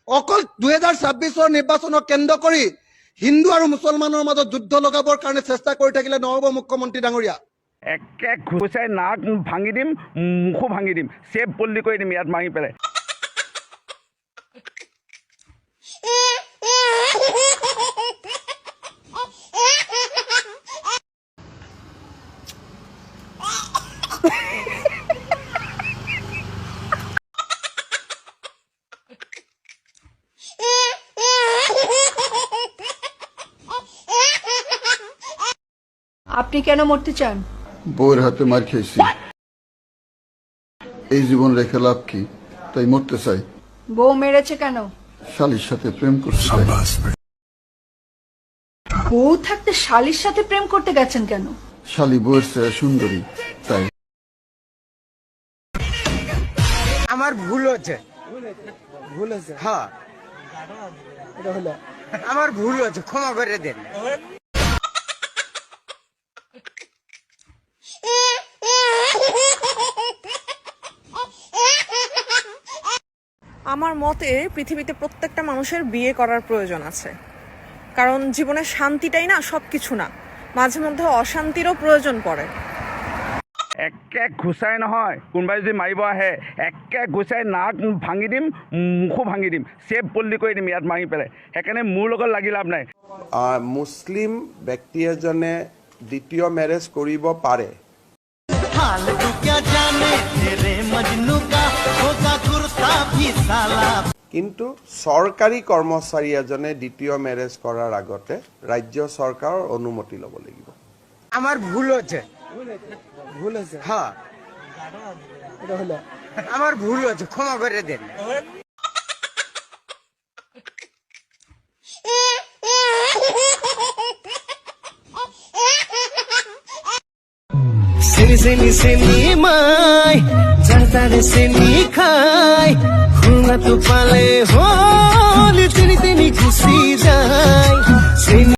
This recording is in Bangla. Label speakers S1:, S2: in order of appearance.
S1: অকল 2026 নিৰ্বাচনক কেন্দ্ৰ কৰি হিন্দু আৰু মুছলমানৰ মাজত যুদ্ধ লগাবৰ কাৰণে চেষ্টা কৰি থাকিলে নহ'ব মুখ্যমন্ত্ৰী ডাঙৰীয়া।
S2: একে ঘুচাই নাক ভাঙি দিম, মুখো ভাঙি দিম, চেপ বল্লি কৰি দিম ইয়াত মাৰি পেলাই।
S3: আপনি কেন মরতে চান?
S4: বউয়ের হাতে মার খেয়েছি, এই জীবন রেখে লাভ কি, তাই মরতে চাই।
S3: বউ মেরেছে কেন?
S4: শালির সাথে প্রেম করতে চাই।
S3: বউ থাকতে শালির সাথে প্রেম করতে গেছেন কেন?
S4: শালি বউয়ের চেয়ে সুন্দরী, তাই।
S5: আমার ভুল হচ্ছে, হ্যাঁ আমার ভুল হচ্ছে, ক্ষমা করে দেন।
S6: আমার মতে পৃথিবীতে প্রত্যেকটা মানুষের বিয়ে করার প্রয়োজন আছে, কারণ জীবনের শান্তিটাই না সবকিছু না, মাঝে মধ্যে অশান্তিরও প্রয়োজন পড়ে।
S2: একে ঘুচাই নহয়, কোনোবাই যদি মাৰিব আহে একে ঘুচাই নাক ভাঙি দিম, মুখো ভাঙি দিম, চেপ বল্লি কৰি দিম ইয়াত মাৰি পেলাই। সেইকাৰণে মোৰ লগত লাগি লাভ নাই।
S7: মুছলিম ব্যক্তি এজনে দ্বিতীয় মেৰেজ কৰিব পাৰে, কিন্তু চৰকাৰী কৰ্মচাৰী এজনে দ্বিতীয় মেৰেজ কৰাৰ আগতে ৰাজ্য চৰকাৰৰ অনুমতি ল'ব লাগিব।
S5: আমার ভুল হচ্ছে, হ্যাঁ আমার ভুল হচ্ছে, ক্ষমা করে দেন।
S8: মাই চারতারে সেনি খাই খুনা তো পালে হল তিনি তিনি খুশি যায়।